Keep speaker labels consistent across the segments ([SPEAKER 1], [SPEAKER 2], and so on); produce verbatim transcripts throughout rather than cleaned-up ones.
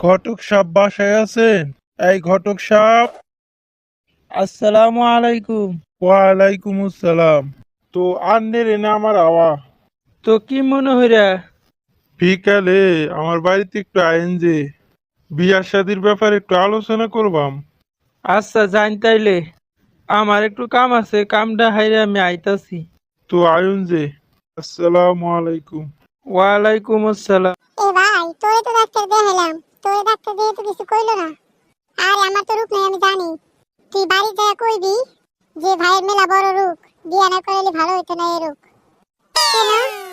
[SPEAKER 1] ঘটক সাপ বাসায় আছেন? এই ঘটক সাপ।
[SPEAKER 2] আসসালামু আলাইকুম।
[SPEAKER 1] ওয়ালাইকুম আসসালাম। তো আন্নের এনে আমার আওয়া
[SPEAKER 2] তো কি মনে হইরা?
[SPEAKER 1] বিকালে আমার বাড়িতে একটু আইন যে বিয়ার শাদির ব্যাপারে একটু আলোচনা করবাম।
[SPEAKER 2] আচ্ছা জান তাইলে আমার একটু কাম আছে, কামটা হাইরে আমি আইতাছি।
[SPEAKER 1] তো আয়ুন যে। আসসালামু আলাইকুম।
[SPEAKER 2] ওয়ালাইকুম আসসালাম।
[SPEAKER 3] এ ভাই, তোরে তো ডাক্তার দেখাইলাম, তোরে ডাক্তার দিয়ে তো কিছু কইলো না। আর আমার তো রোগ নাই, আমি জানি। তুই বাড়ি যায় কইবি যে ভাইয়ের মেলা বড় রোগ, বিয়া না করাইলে ভালো হইতো না এই রোগ। কেন?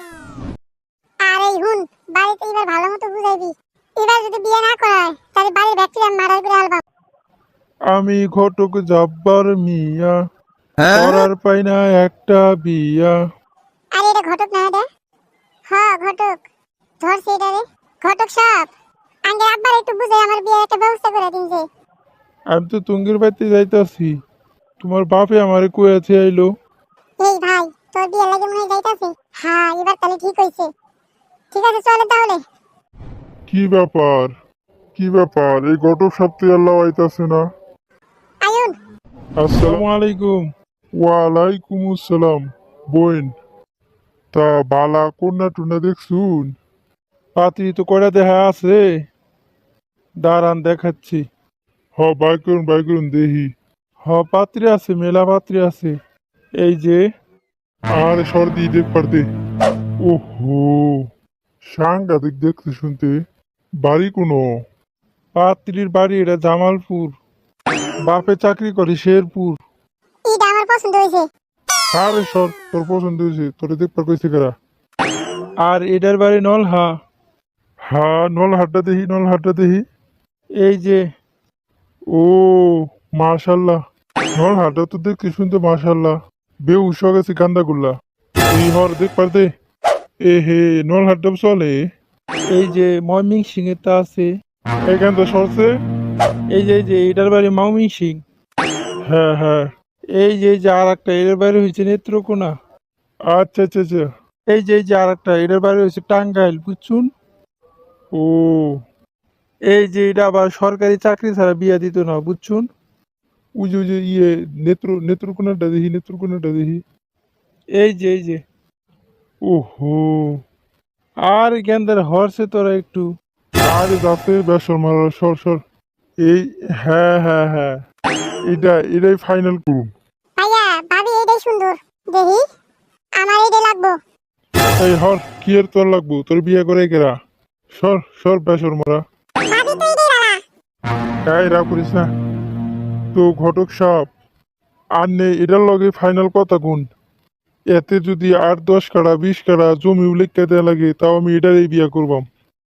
[SPEAKER 3] আর এই হুন, বাড়িতে এবার ভালো মতো বুঝাইবি। এবার যদি বিয়ে না করায় তাহলে বাড়ির ব্যাকটেরিয়া মারার করে আলবাম।
[SPEAKER 1] আমি ঘটক জব্বার মিয়া, করার পাই না একটা বিয়া।
[SPEAKER 3] আরে এটা ঘটক না এটা? হ্যাঁ ঘটক, ধরছে এটা রে। ঘটক সাহেব, আঙ্গে আব্বার একটু বুঝে আমার বিয়ের একটা ব্যবস্থা করে দিন যে।
[SPEAKER 1] আমি তো তুঙ্গের বাড়িতে যাইতাছি, তোমার বাপে আমারে কয়েছে আইলো।
[SPEAKER 3] এই ভাই, তোর বিয়ে লাগে মনে হয় যাইতাছে। হ্যাঁ এবার তাহলে ঠিক হইছে। ঠিক আছে চলে তাহলে।
[SPEAKER 1] কি ব্যাপার? কি ব্যাপার? এই ঘটক সপ্তাহে আল্লাহ আইতাছে না।
[SPEAKER 3] আয়ুন,
[SPEAKER 1] আসসালামু আলাইকুম। ওয়ালাইকুম আসসালাম। বোন, তা বালা কন্যা টুনা দেখছুন? পাত্রী তো কয়টা দেখা আছে, দাঁড়ান দেখাচ্ছি। হ বাই করুন বাই করুন দেহি। হ পাত্রী আছে, মেলা পাত্রী আছে। এই যে। আর সর্দি দেখ পারতে। ওহো, সাংঘাতিক দেখতে শুনতে। বাড়ি কোনো? পাত্রীর বাড়ি এটা জামালপুর, বাপে চাকরি করে শেরপুর।
[SPEAKER 3] এইটা আমার পছন্দ হয়েছে।
[SPEAKER 1] আরে সর, তোর পছন্দ হয়েছে, তোরে দেখবার কইছে কারা। আর এটার বাড়ি নলহা। হা, নলহাটটা দেখি, নলহাটটা দেখি। এই যে। ও মাশাল্লাহ, নলহাটটা তো দেখতে শুনতে মাশাল্লাহ। বেউস হয়ে গেছে গান্দাগুল্লা। এই হর দেখ পারতে। এ হে, নলহাটটা চলে। এই যে ময়মিং সিং এর তা আছে এখান তো সরছে। এই যে এই যে এটার বাড়ি মাউমিং সিং। হ্যাঁ হ্যাঁ। এই যে এই যে আর একটা এটার বাড়ি হয়েছে নেত্রকোনা। আচ্ছা আচ্ছা আচ্ছা। এই যে এই যে আর একটা এটার বাড়ি হয়েছে টাঙ্গাইল, বুঝছুন। ও, এই যে এটা আবার সরকারি চাকরি ছাড়া বিয়া দিত না, বুঝছুন। ওই যে ওই যে ইয়ে নেত্র নেত্রকোনাটা দেখি, নেত্রকোনাটা দেখি। এই যে এই যে। ওহো, আর গেন্দার হরছে তোরা একটু। আরে যাতে বেসর মারা, সর সর। এই, হ্যাঁ হ্যাঁ হ্যাঁ, এটা এটাই ফাইনাল করুন।
[SPEAKER 3] ভাইয়া, ভাবি এটাই সুন্দর। দেখি, আমার এটাই লাগবো।
[SPEAKER 1] এই হর, কি এর তোর লাগবো? তোর বিয়ে করে কেরা? সর সর বেসর মারা।
[SPEAKER 3] ভাবি তো এটাই বালা।
[SPEAKER 1] গায়ে রাগ করিস না। তো ঘটক সাপ, আর নেই এটার লগে ফাইনাল কথা কোন? এতে যদি আট দশ কাড়া বিশ কাড়া জমি উল্লেখ দেয়া লাগে, তাও আমি এটারই বিয়া করবাম।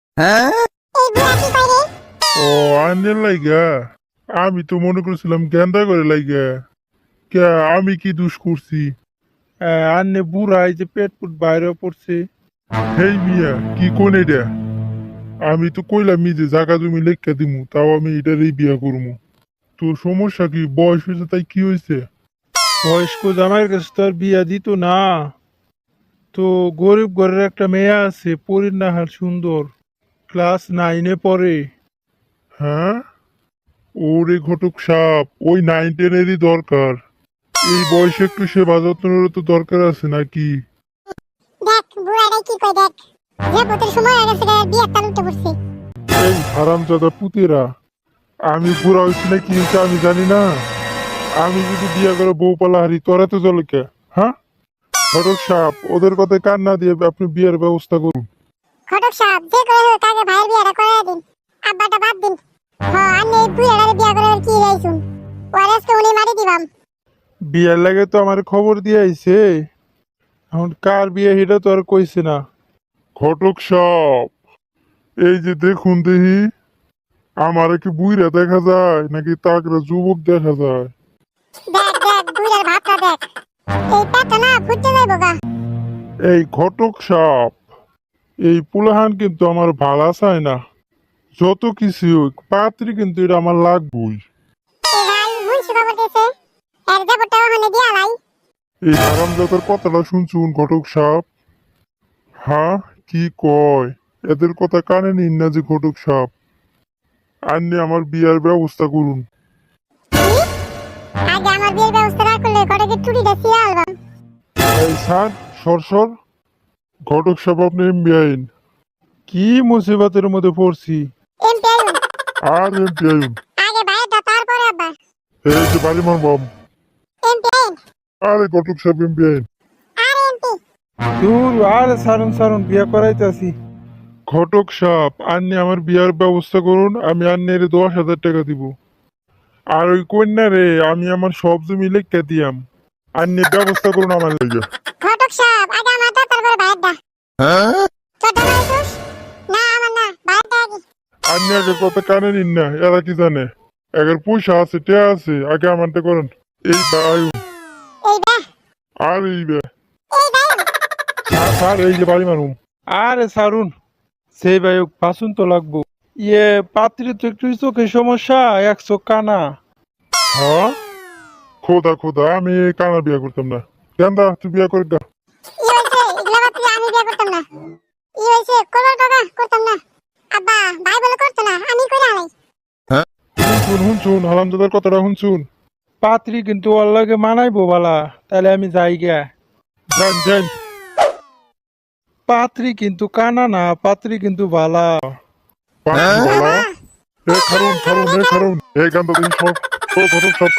[SPEAKER 3] এই বুড়া কি কয় রে?
[SPEAKER 1] ও, আন্নের লাইগা? আমি তো মনে করছিলাম গেন্দা করে লাইগা। কে, আমি কি দোষ করছি? আন্নে বুড়া, এই যে পেট পুট বাইরে পড়ছে। হেই মিয়া, কি কোন এটা? আমি তো কইলাম যে জাগা জমি লেখা দিমু, তাও আমি এটারই বিয়া করবো। তোর সমস্যা কি? বয়স হয়েছে তাই কি হয়েছে? বয়স্ক জামাইয়ের কাছে তো আর বিয়া দিত না। তো গরিব ঘরের একটা মেয়ে আছে, পরিণাহার সুন্দর, ক্লাস নাইনে পড়ে। হ্যাঁ? ওরে ঘটক সাপ, ওই নাইন টেনেরই দরকার। এই বয়সে একটু সেবা যত্নেরও তো দরকার আছে নাকি?
[SPEAKER 3] দেখ বুড়াটাই কি কয় দেখ। যে ভূতের সময় হয়ে গেছে রে, বিয়ের তাল উঠে পড়ছে।
[SPEAKER 1] এই হারামজাদা পুতেরা, আমি বুড়া হয়েছি না কি হয়েছে আমি জানি না। আমি যদি বিয়ে করে বউ পালা হারি, তোরা তো চলে কে? হ্যাঁ? ঘটক সাপ, ওদের কথায় কান না দিয়ে আপনি বিয়ের ব্যবস্থা করুন।
[SPEAKER 3] ঘটক সাহেব, যে করে হোক আগে ভাইয়ের বিয়েটা করাই দিন। আব্বাটা বাদ দিন। হ্যাঁ, আর এই বুড়াটারে বিয়ে করার কি রাইছুন? ওর আজকে উনি মারি দিবাম।
[SPEAKER 1] বিয়ের লাগে তো আমার খবর দিয়ে আইছে, এখন কার বিয়ে সেটা তো আর কইছে না। ঘটক সাপ, এই যে দেখুন দেখি, আমার কি বুইরা দেখা যায় নাকি তাকরা যুবক দেখা যায়?
[SPEAKER 3] দেখ দেখ বুড়ার ভাবটা দেখ। এই পেটটা না ফুটতে যাইব গা।
[SPEAKER 1] এই ঘটক সাপ, এই পুলাহান কিন্তু আমার ভালা চায় না। যত কিছু হোক, পাত্রী কিন্তু এটা আমার লাগবই।
[SPEAKER 3] এই ভাই মুন্সি খবর দিয়েছে, এর দেবরটা ওখানে দিয়া লাই।
[SPEAKER 1] এই হারামজাদার কথাটা শুনছুন ঘটক সাপ? হ্যাঁ, কি কয়? এদের কথা কানে নিন না যে ঘটক সাপ। আন্নি আমার বিয়ার ব্যবস্থা করুন।
[SPEAKER 3] কি? আগে আমার বিয়ের ব্যবস্থা না করলে ঘটকে টুটিটা ছিঁড়ে আলবাম।
[SPEAKER 1] এই স্যার, সর সর। ঘটক সাহেব আপনি এমপি আইন।
[SPEAKER 2] কি মুসিবতের মধ্যে পড়ছি।
[SPEAKER 3] এমপি আইন।
[SPEAKER 1] আর এমপি আইন।
[SPEAKER 3] আগে ভাইয়েরটা তারপরে আব্বা।
[SPEAKER 1] এই যে বাড়ি মারবাম।
[SPEAKER 3] এমপি আইন।
[SPEAKER 1] আরে ঘটক সাহেব এমপি আইন।
[SPEAKER 3] আর এমপি।
[SPEAKER 2] দূর আর সারুন সারুন বিয়া করাইতাছি।
[SPEAKER 1] ঘটক সাহেব আন্নি আমার বিয়ার ব্যবস্থা করুন, আমি আন্নের দশ হাজার টাকা দিব। আর ওই কন্যা রে আমি আমার সব জমি লেখা দিয়াম। আন্নি ব্যবস্থা করুন আমার লাগে।
[SPEAKER 3] ঘটক সাহেব আগে আমারটা তারপরে ভাইয়েরটা। তোর দাদা আইসুস? না আমার না, ভাইয়েরটা আগে।
[SPEAKER 1] আন্নি আগে কথা কানে নিন না, এরা কি জানে? একের পয়সা আছে, টেয়া আছে, আগে আমারটা করেন। এই বায়ু
[SPEAKER 3] এই বে,
[SPEAKER 1] আর এই বে
[SPEAKER 3] এই বায়ু।
[SPEAKER 1] স্যার, স্যার এই যে বাড়ি মারুম।
[SPEAKER 2] আরে সারুন, সেই ভাই বাসুন তো লাগবো। ইয়ে পাত্রী তো একটু চোখে সমস্যা, এক চোখ কানা।
[SPEAKER 1] হ্যাঁ খোদা খোদা, আমি এই কানা বিয়া করতাম না। কেন্দা তুই বিয়া করে দা।
[SPEAKER 3] ই হয়েছে, এগুলা বাদ দিয়ে আমি বিয়ে করতাম না। ই হয়েছে, করবার কাকা করতাম না। আব্বা, ভাই বলে করতো না, আমি করে হালাই।
[SPEAKER 1] হুন হুন শুন, হারামজাদার কথাটা হুন শুন।
[SPEAKER 2] পাত্রী কিন্তু ওর লাগে মানাইবো বালা, তাহলে আমি যাই গিয়া।
[SPEAKER 1] যান যান।
[SPEAKER 2] পাত্রী কিন্তু কানা না, পাত্রী কিন্তু বালা।
[SPEAKER 1] পাঁচ বালা। এ খারুন খারুন এ খারুন, এই গান্দা তুমি সব সব সব সব